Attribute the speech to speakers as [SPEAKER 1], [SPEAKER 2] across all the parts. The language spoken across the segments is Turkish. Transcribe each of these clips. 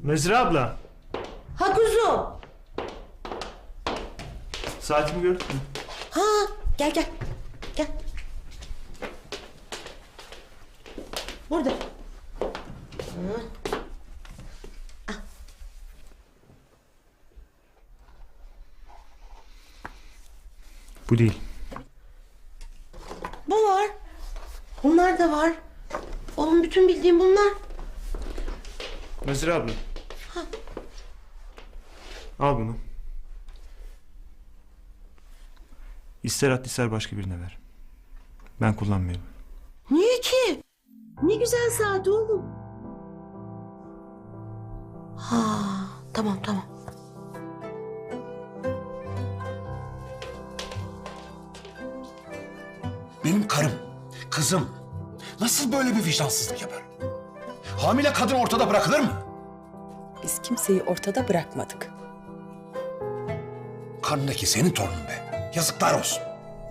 [SPEAKER 1] Mezra abla.
[SPEAKER 2] Ha kuzum.
[SPEAKER 1] Saatimi gördün mü?
[SPEAKER 2] Ha gel gel. Gel. Burada.
[SPEAKER 1] Bu değil.
[SPEAKER 2] Bu var. Bunlar da var. Oğlum bütün bildiğim bunlar.
[SPEAKER 1] Mezra abla. Al bunu. İster at ister başka birine ver. Ben kullanmıyorum.
[SPEAKER 2] Niye ki? Ne güzel saat oğlum. Ha tamam tamam.
[SPEAKER 3] Benim karım, kızım nasıl böyle bir vicdansızlık yapar? Hamile kadın ortada bırakılır mı?
[SPEAKER 4] Biz kimseyi ortada bırakmadık.
[SPEAKER 3] Karnındaki senin torunun be. Yazıklar olsun.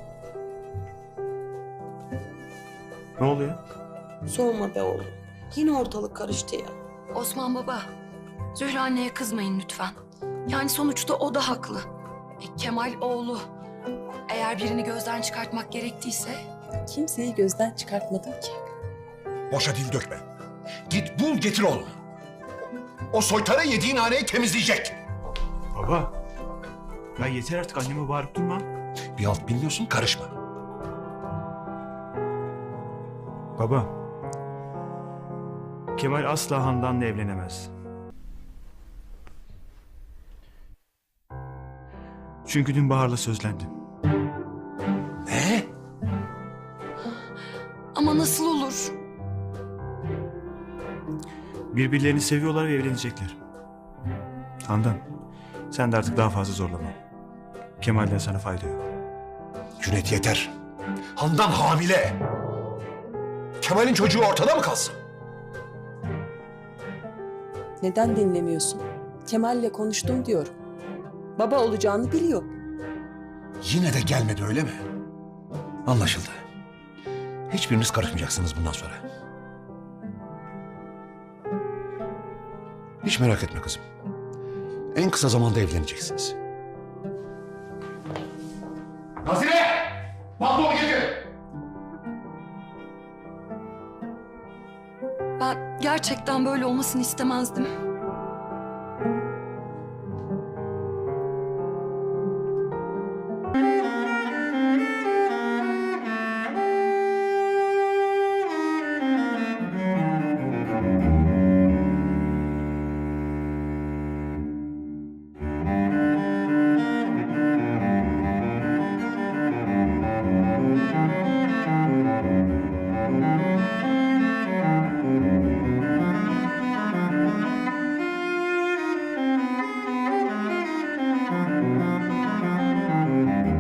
[SPEAKER 1] Ne oluyor?
[SPEAKER 2] Sorma be oğlum. Yine ortalık karıştı ya.
[SPEAKER 5] Osman baba, Zühre anneye kızmayın lütfen. Yani sonuçta o da haklı. Kemal oğlu. Eğer birini gözden çıkartmak gerektiyse...
[SPEAKER 4] Kimseyi gözden çıkartmadım ki.
[SPEAKER 3] Boşa dil dökme. Git bul getir oğlum. O soytarı yediğin haneyi temizleyecek.
[SPEAKER 1] Baba. Ya yeter artık anneme bağırıp durma.
[SPEAKER 3] Bir alt bilmiyorsun karışma.
[SPEAKER 1] Baba. Kemal asla Handan'la evlenemez. Çünkü dün Bahar'la sözlendim.
[SPEAKER 3] Ne?
[SPEAKER 5] Ama nasıl olur?
[SPEAKER 1] Birbirlerini seviyorlar ve evlenecekler. Handan, sen de artık daha fazla zorlama. Kemal'den sana fayda yok.
[SPEAKER 3] Cüneyt yeter. Handan hamile. Kemal'in çocuğu ortada mı kalsın?
[SPEAKER 4] Neden dinlemiyorsun? Kemal'le konuştum diyorum. Baba olacağını biliyor.
[SPEAKER 3] Yine de gelmedi öyle mi? Anlaşıldı. Hiçbiriniz karışmayacaksınız bundan sonra. Hiç merak etme kızım. En kısa zamanda evleneceksiniz. Nazire! Pantolonu getir!
[SPEAKER 5] Ben gerçekten böyle olmasını istemezdim.